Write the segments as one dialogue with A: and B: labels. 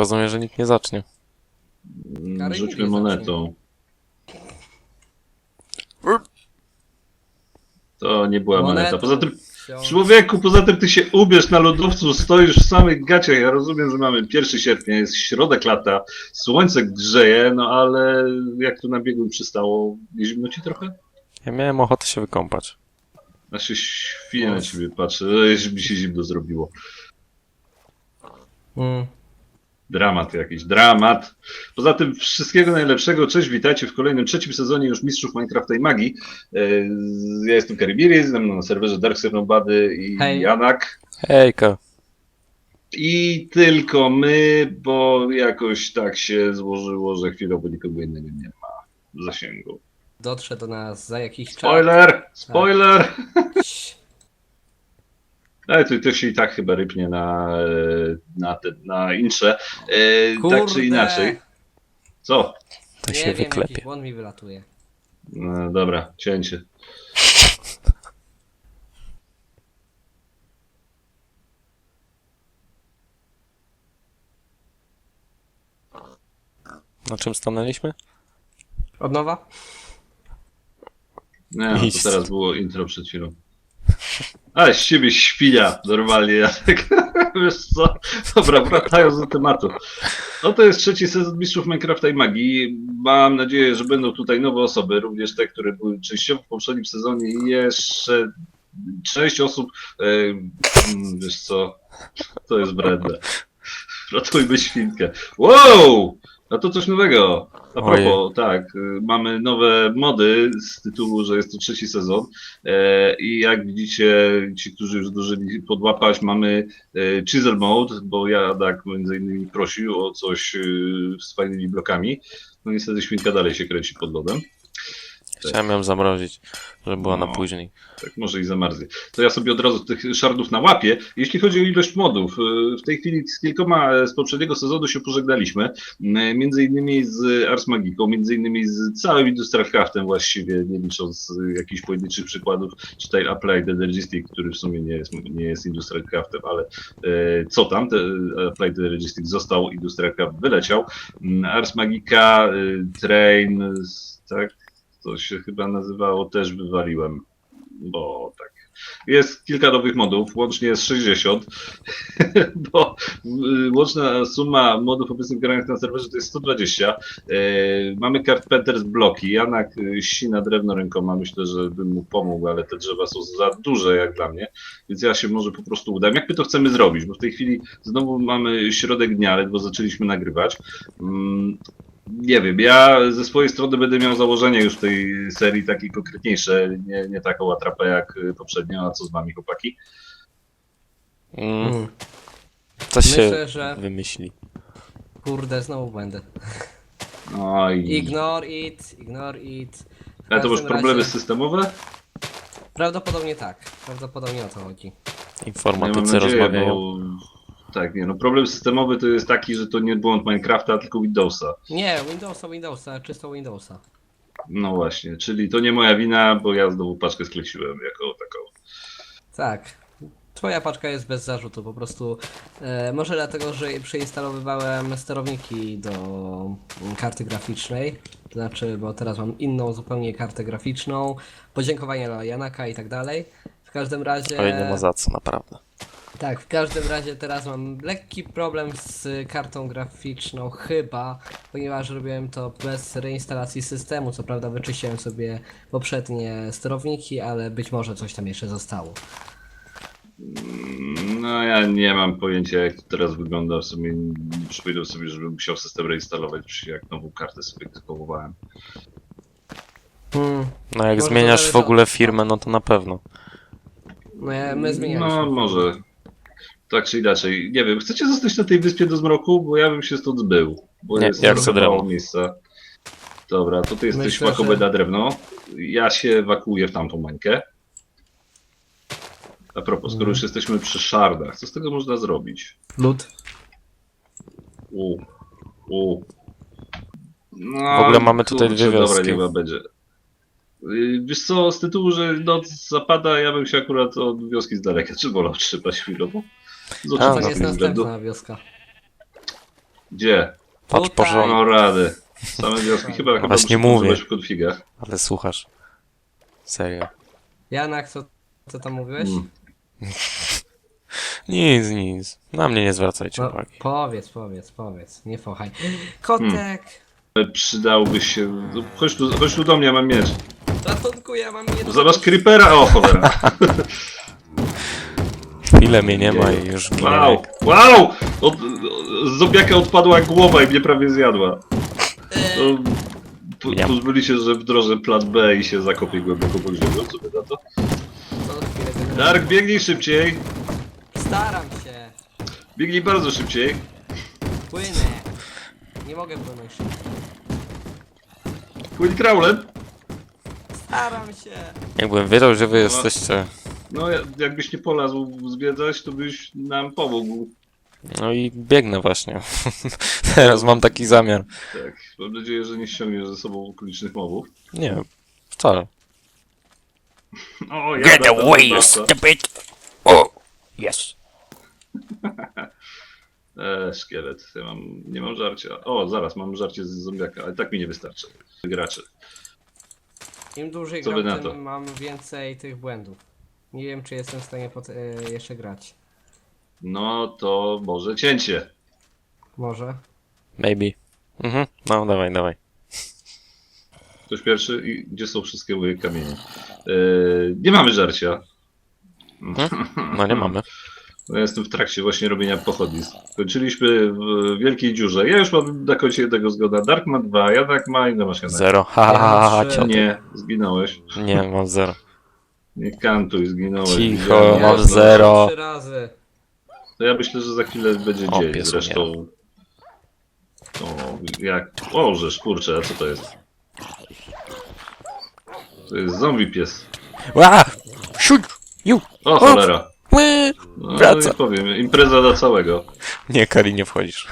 A: rozumiem, że nikt nie zacznie.
B: Kary
C: Rzućmy
B: nigdy
C: monetą. To nie była moneta. Poza tym, człowieku, poza tym ty się ubierz na lodowcu, stoisz w samych gaciach. Ja rozumiem, że mamy 1 sierpnia, jest środek lata, słońce grzeje, no ale jak tu na biegu przystało, nie zimno ci trochę?
A: Ja miałem ochotę się wykąpać.
C: Znaczy świnie na ciebie patrzę, że mi się zimno zrobiło. Dramat jakiś, dramat. Poza tym wszystkiego najlepszego. Cześć, witajcie w kolejnym 3. sezonie już Mistrzów Minecrafta i Magii. Ja jestem Karibiri, ze mną na serwerze Dark Nobody i
B: Hej.
C: Janak.
A: Hejka.
C: I tylko my, bo jakoś tak się złożyło, że chwilowo nikogo innego nie ma w zasięgu.
B: Dotrze do nas za jakiś czas.
C: Spoiler! Spoiler!
B: Cii.
C: Ale to się i tak chyba rypnie na intrze. Tak czy
B: Kurde.
C: inaczej. Co?
A: To
B: Nie
A: się
B: wiem, jakiś
A: wyklepie.
B: błąd mi wylatuje.
C: No, dobra, cięcie.
A: Na czym stanęliśmy?
B: Od nowa?
C: Nie, no
A: Miejsce.
C: to teraz było intro przed chwilą. Ale z ciebie świnia, normalnie, Jacek. Wiesz co? Dobra, wracając do tematu. No to jest 3. sezon Mistrzów Minecrafta i Magii. Mam nadzieję, że będą tutaj nowe osoby, również te, które były częściowo w poprzednim sezonie i jeszcze 6 osób. Wiesz co? To jest bredne. Ratujmy świnkę. Wow! No to coś nowego. A propos, tak, mamy nowe mody z tytułu, że jest to 3. sezon i jak widzicie, ci, którzy już zdążyli podłapać, mamy Chisel Mode, bo ja tak między innymi prosił o coś z fajnymi blokami. No niestety świnka dalej się kręci pod lodem.
A: Chciałem ją zamrozić, żeby była na
C: No.
A: później.
C: Tak, może i zamarznie. To ja sobie od razu tych szardów nałapię. Jeśli chodzi o ilość modów, w tej chwili z kilkoma z poprzedniego sezonu się pożegnaliśmy. Między innymi z Ars Magiką, między innymi z całym Industrial Craftem właściwie, nie licząc jakichś pojedynczych przykładów, czy tutaj Applied Energistic, który w sumie nie jest Industrial Craftem, ale co tam, Applied Energistic został, Industrial Craft wyleciał. Ars Magica, Train, tak, to się chyba nazywało, też wywaliłem. Bo tak. Jest kilka nowych modów, łącznie jest 60, bo łączna suma modów obecnych granych na serwerze to jest 120. Mamy Carpenter's bloki. Janak ścina drewno rękoma, myślę, że bym mu pomógł, ale te drzewa są za duże jak dla mnie, więc ja się może po prostu udam. Jak my to chcemy zrobić? Bo w tej chwili znowu mamy środek dnia, ledwo zaczęliśmy nagrywać. Nie wiem, ja ze swojej strony będę miał założenie już w tej serii takie konkretniejsze, nie taką atrapę jak poprzednio, a co z wami, chłopaki?
A: Coś się
B: Myślę, że
A: wymyśli.
B: kurde, znowu będę.
C: Oj.
B: Ignore it, ignore it. W
C: Ale to masz
B: każdym
C: problemy
B: razie-
C: systemowe?
B: Prawdopodobnie tak. Prawdopodobnie o to chodzi.
C: Ja mam
A: Informatycy
C: nadzieję,
A: rozmawiają.
C: bo... Tak, nie no, problem systemowy to jest taki, że to nie błąd Minecrafta, tylko Windowsa.
B: Nie, Windowsa, czysto Windowsa.
C: No właśnie, czyli to nie moja wina, bo ja znowu paczkę skleciłem jako taką.
B: Tak. Twoja paczka jest bez zarzutu, po prostu może dlatego, że przeinstalowywałem sterowniki do karty graficznej, to znaczy, bo teraz mam inną zupełnie kartę graficzną, podziękowania dla Janaka i tak dalej. W każdym razie...
A: Oj, nie ma za co, naprawdę.
B: Tak, w każdym razie teraz mam lekki problem z kartą graficzną chyba, ponieważ robiłem to bez reinstalacji systemu, co prawda wyczyściłem sobie poprzednie sterowniki, ale być może coś tam jeszcze zostało.
C: No ja nie mam pojęcia jak to teraz wygląda, w sumie nie przypominam sobie, żebym musiał system reinstalować, jak nową kartę sobie kupowałem.
A: No jak
B: Może to
A: zmieniasz
B: zależy
A: w ogóle
B: od-
A: firmę, no to na pewno.
B: My zmienialiśmy.
C: No może. Tak czy inaczej. Nie wiem, chcecie zostać na tej wyspie do zmroku? Bo ja bym się stąd zbył. Bo
A: Nie,
C: jest
A: ja chcę
C: trochę mało
A: drewno.
C: miejsca. Dobra, to ty jesteś
B: Myślę,
C: wakowe
B: że-
C: na drewno. Ja się ewakuuję w tamtą mańkę. A propos, skoro już jesteśmy przy szardach, co z tego można zrobić?
B: Lód.
C: U. No,
A: W ogóle mamy tutaj dwie
C: Dobra,
A: wioski.
C: niech ma będzie. Wiesz co, z tytułu, że noc zapada, ja bym się akurat od wioski z daleka czy wolał trzymać chwilowo. Z
A: A,
B: To
A: no,
B: jest
C: oczywistych względów.
B: następna wioska.
C: Gdzie?
A: Patrz
B: Tutaj.
A: porządnie,
C: No rady. Same wioski chyba
A: właśnie
C: muszę
A: mówię.
C: używać w konfigach.
A: ale słuchasz. Serio.
B: Janak, co tam mówiłeś?
C: Mm.
A: Nic. Na mnie nie zwracajcie
B: No,
A: uwagi.
B: powiedz, nie fochaj. Kotek!
C: Przydałby się... No, chodź tu do mnie, mam miecz.
B: Ratunku, ja mam nie
C: Zobacz creepera! O, cholera.
A: Chwilę mnie nie ma i już ginę.
C: Wow! Wow! Z zombiaka odpadła głowa i mnie prawie zjadła. No,
A: Miam.
C: pozbyli się, że wdrożę plan B i się zakopię głęboko pod ziemią. Co by na to?
B: Co chwilę będę-
C: Dark, biegnij szybciej!
B: Staram się!
C: Biegnij bardzo szybciej!
B: Płynę! Nie mogę płynąć szybko.
C: Płyń kraulem!
B: Staram się!
A: Jakbym wiedział, że wy jesteście.
C: No, jakbyś nie polazł zwiedzać, to byś nam pomógł.
A: No i biegnę właśnie. Teraz mam taki zamiar.
C: Tak, mam nadzieję, że nie ściągniesz ze sobą okolicznych mobów.
A: Nie, wcale.
C: O, ja
A: stupid! Oh, yes.
C: Szkielet. Nie mam żarcia. O, zaraz, mam żarcie z zombiaka, ale tak mi nie wystarczy. Graczy.
B: Im dłużej
C: Co wy
B: gram,
C: na to?
B: tym mam więcej tych błędów. Nie wiem, czy jestem w stanie jeszcze grać.
C: No to może cięcie.
B: Może?
A: Maybe. Mhm, no dawaj.
C: Ktoś pierwszy i gdzie są wszystkie moje kamienie? Nie mamy żarcia.
A: No nie mamy.
C: No, ja jestem w trakcie właśnie robienia pochodni. Skończyliśmy w wielkiej dziurze. Ja już mam na końcu jednego zgoda. Dark ma 2, Janak ma i masz Janak.
A: 0. Ha,
B: Ja
A: cioty.
C: Nie, zginąłeś.
A: Nie, mam 0.
C: Nie kantuj, zginąłeś.
A: Cicho,
C: Widziałem,
A: mam
C: jasno.
A: zero.
B: 3 razy.
C: To ja myślę, że za chwilę będzie
A: O,
C: dzień.
A: pies
C: Zresztą. O, jak. O, żeż kurczę, a co to jest? To jest zombie pies.
A: Ła! Siuć! Ju!
C: O, cholera.
A: Ły!
C: No,
A: Wraca.
C: nie powiem, impreza dla całego.
A: Nie, Kali, nie wchodzisz.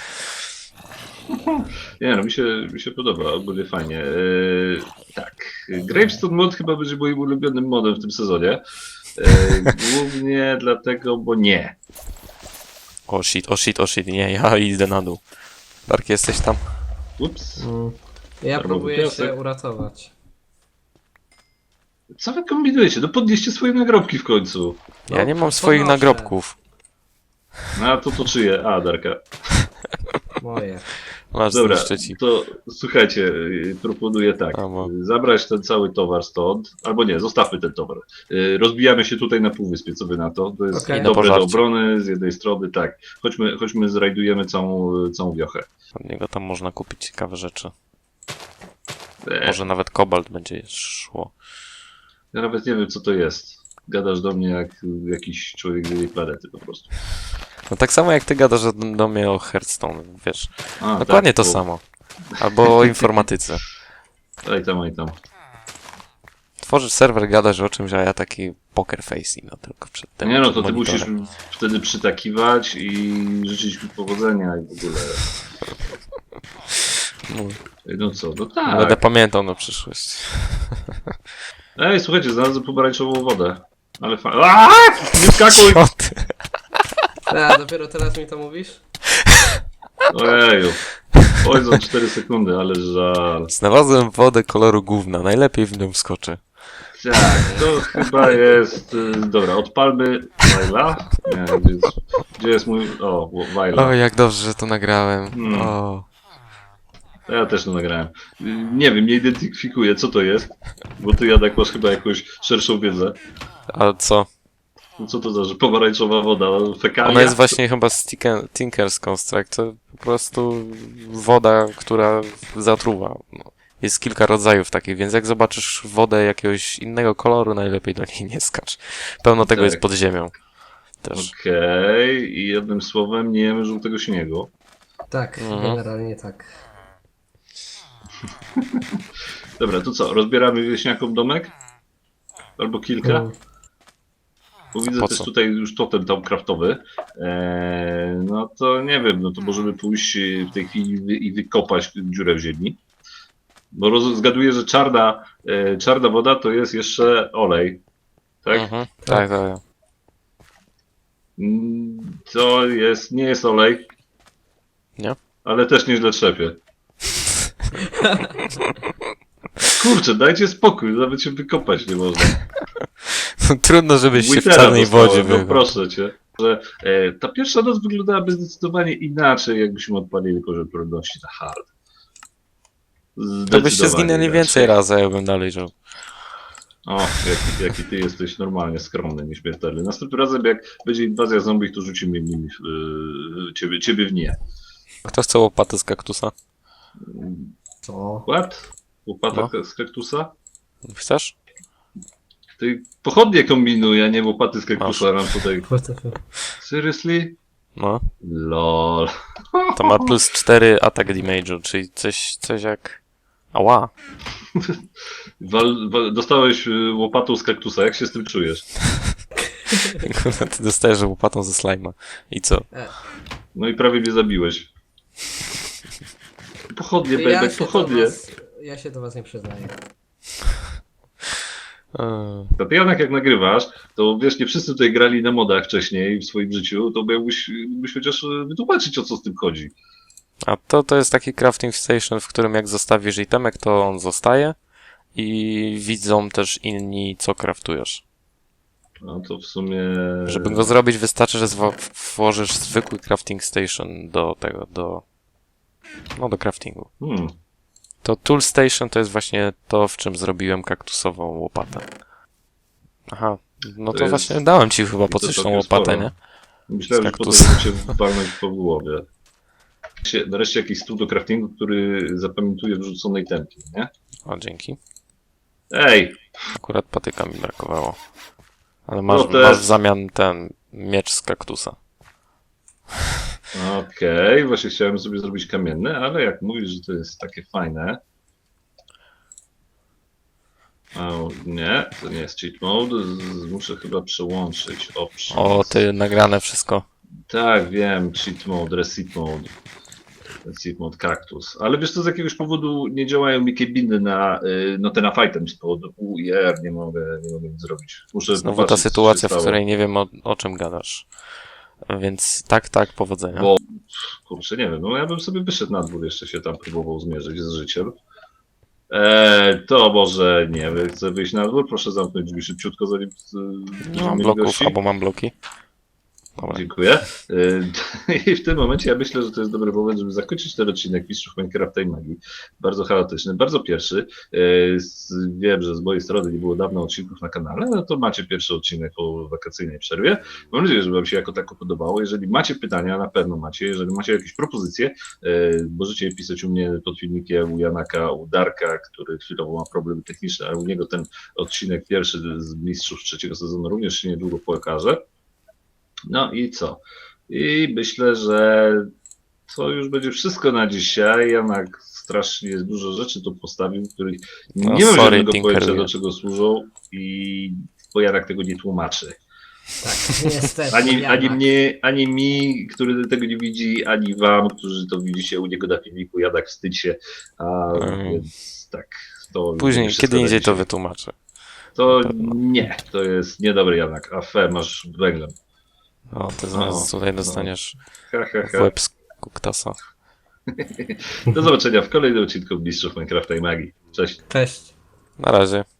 C: Nie no, mi się podoba, ogólnie fajnie. Tak, Gravestone mod chyba będzie moim ulubionym modem w tym sezonie. Głównie dlatego, bo nie.
A: O shit, nie, ja idę na dół. Dark, jesteś tam?
C: Ups.
B: Ja
C: Darmowy
B: próbuję
C: piasek.
B: się uratować.
C: Co wy kombinujecie? No podnieście swoje nagrobki w końcu.
A: Ja nie mam swoich
B: podnoszę.
A: nagrobków.
C: No a to czyje? A, Darka.
B: Moje.
A: Masz
C: Dobra,
A: zniszczyć ci.
C: to słuchajcie, proponuję tak.
A: Albo-
C: Zabrać ten cały towar stąd, albo nie, zostawmy ten towar. Rozbijamy się tutaj na półwyspie, co wy na to? To jest
B: Okej.
A: Na
C: dobre do
A: pożarcie.
C: obrony z jednej strony, tak. Chodźmy zrajdujemy całą wiochę.
A: Od niego tam można kupić ciekawe rzeczy.
C: Eee,
A: Może nawet kobalt będzie szło.
C: Ja nawet nie wiem, co to jest. Gadasz do mnie jak jakiś człowiek z innej planety po prostu.
A: No tak samo jak ty gadasz do mnie o Hearthstone, wiesz.
C: A,
A: Dokładnie
C: tak,
A: to samo. Albo o informatyce.
C: Aj tam.
A: Tworzysz serwer, gadasz o czymś, a ja taki poker face, no tylko przed tym.
C: Nie no,
A: przed
C: to ty
A: monitorem.
C: musisz wtedy przytakiwać i życzyć mi powodzenia i w ogóle.
A: No,
C: No co, no
A: będę
C: tak.
A: pamiętał na przyszłość.
C: Ej, słuchajcie, znalazłem pomarańczową wodę. Ale nie skakuj!
A: Co ty?
B: A, dopiero teraz mi to mówisz?
C: Ojeju. Oj, za 4 sekundy, ale żal.
A: Znalazłem wodę koloru gówna, najlepiej w nią wskoczę.
C: Tak, to chyba jest... Dobra, odpalmy Wajla. Nie, gdzie jest mój... O, Wajla.
A: O, jak dobrze, że to nagrałem.
C: Hmm.
A: O.
C: Ja też to nagrałem. Nie wiem, nie identyfikuję, co to jest. Bo ty, Janek, masz chyba jakąś szerszą wiedzę.
A: A co?
C: Co to za pomarańczowa woda? Fekalia?
A: Ona jest właśnie chyba z Tinker's Construct, to po prostu woda, która zatruwa. No. Jest kilka rodzajów takich, więc jak zobaczysz wodę jakiegoś innego koloru, najlepiej do niej nie skacz. Pełno tego
C: Tak.
A: jest pod ziemią. Też.
C: Okej, i jednym słowem nie jemy żółtego śniegu.
B: Tak,
A: Mhm.
B: generalnie tak.
C: Dobra, to co, rozbieramy wieśniakom domek? Albo kilka?
B: Mm.
C: Bo widzę
A: Po
C: też
A: co?
C: tutaj już totem tam kraftowy. No to nie wiem, no to możemy pójść w tej chwili i wykopać dziurę w ziemi. Bo zgaduję, że czarna woda to jest jeszcze olej. Tak?
A: Mhm. Tak.
C: To nie jest olej.
A: Nie?
C: ale też nieźle trzepie. Kurczę, dajcie spokój, nawet się wykopać nie można.
A: Trudno, żebyś się w
C: Witera
A: czarnej
C: dostałem,
A: wodzie
C: no
A: wychał.
C: proszę cię. Że, ta pierwsza noc wyglądałaby zdecydowanie inaczej, jakbyśmy odpalili poziom trudności na hard.
A: To byście
C: Zdecydowanie
A: zginęli
C: inaczej.
A: więcej razy, a ja bym dalej żył.
C: O, jaki ty jesteś normalnie skromny, nieśmiertelny. Następnym razem, jak będzie inwazja zombie, to rzucimy nimi ciebie w nie.
A: Kto chce łopaty z kaktusa?
B: Co?
C: What? Łopata z kaktusa?
A: Chcesz?
C: Ty pochodnie kombinuj, a nie łopaty z kaktusa nam tutaj.
B: What the fuck?
C: Seriously?
A: No.
C: LOL.
A: To ma plus 4 attack damage'u, czyli coś jak... Ała.
C: Dostałeś łopatą z kaktusa, jak się z tym czujesz?
A: Kurwa, ty dostajesz łopatą ze slajma. I co?
C: No i prawie mnie zabiłeś. Pochodnie, Bebek, pochodnie.
B: Ja się do was nie przyznaję.
C: To ty, Janek, jak nagrywasz, to wiesz, nie wszyscy tutaj grali na modach wcześniej w swoim życiu, to mógłbyś chociaż wytłumaczyć, o co z tym chodzi.
A: A to jest taki crafting station, w którym jak zostawisz itemek, to on zostaje i widzą też inni, co craftujesz.
C: No to w sumie...
A: Żeby go zrobić, wystarczy, że włożysz zwykły crafting station do craftingu. To tool station to jest właśnie to, w czym zrobiłem kaktusową łopatę. Aha, no
C: To
A: to
C: jest-
A: właśnie dałem ci chyba po
C: to
A: coś tą
C: całkiem
A: łopatę,
C: sporo.
A: nie?
C: Myślałem,
A: z
C: że potem
A: kaktusa.
C: cię walnąć po głowie. Nareszcie jakiś stół do craftingu, który zapamiętuje wrzuconej tempie, nie?
A: O, dzięki.
C: Ej!
A: Akurat patyka mi brakowało. Ale
C: No też.
A: masz w zamian ten miecz z kaktusa.
C: Okej, właśnie chciałem sobie zrobić kamienne, ale jak mówisz, że to jest takie fajne... O, nie, to nie jest cheat mode. Muszę chyba przełączyć options.
A: O, ty nagrane wszystko.
C: Tak, wiem, cheat mode, reset mode. Reset mode cactus. Ale wiesz co, z jakiegoś powodu nie działają mi kebiny na ten fightem z powodu UIR, nie mogę nic zrobić. Muszę
A: Znowu ta
C: popatrzeć, co się
A: sytuacja, w
C: stało.
A: której nie wiem o czym gadasz. Więc tak, powodzenia.
C: Bo, kurczę, nie wiem, no ja bym sobie wyszedł na dwór, jeszcze się tam próbował zmierzyć z życiem. To może nie wiem, chcę wyjść na dwór, proszę zamknąć drzwi szybciutko, zanim...
A: Nie mam bloków, albo mam bloki. Dobra.
C: Dziękuję. I w tym momencie ja myślę, że to jest dobry moment, żeby zakończyć ten odcinek Mistrzów Minecrafta i Magii. Bardzo chaotyczny, bardzo pierwszy. Wiem, że z mojej strony nie było dawno odcinków na kanale, no to macie pierwszy odcinek po wakacyjnej przerwie. Mam nadzieję, że wam się jako tako podobało. Jeżeli macie pytania, na pewno macie. Jeżeli macie jakieś propozycje, możecie je pisać u mnie pod filmikiem, u Janaka, u Darka, który chwilowo ma problemy techniczne, ale u niego ten odcinek pierwszy z Mistrzów trzeciego sezonu również się niedługo pokaże. No i co? I myślę, że to już będzie wszystko na dzisiaj. Janak strasznie dużo rzeczy tu postawił, których
A: No,
C: nie mam
A: sorry,
C: żadnego pojęcia,
A: Tinkeruję.
C: do czego służą, bo Janak tego nie tłumaczy.
B: Tak, niestety.
C: Ani mi, który tego nie widzi, ani wam, którzy to widzicie u niego na filmiku. Janak wstydź się. Więc tak. To
A: Później,
C: wszystko
A: kiedy
C: na
A: indziej to
C: dzisiaj.
A: wytłumaczę.
C: To
A: pewno.
C: nie, to jest niedobry Janak. A fe, masz węglem.
A: O, ty zaraz tutaj dostaniesz
C: Ha, ha,
A: w
C: ha.
A: łeb z kuktasa.
C: Do zobaczenia w kolejnym odcinku Mistrzów Minecrafta i Magii. Cześć.
B: Cześć.
A: Na razie.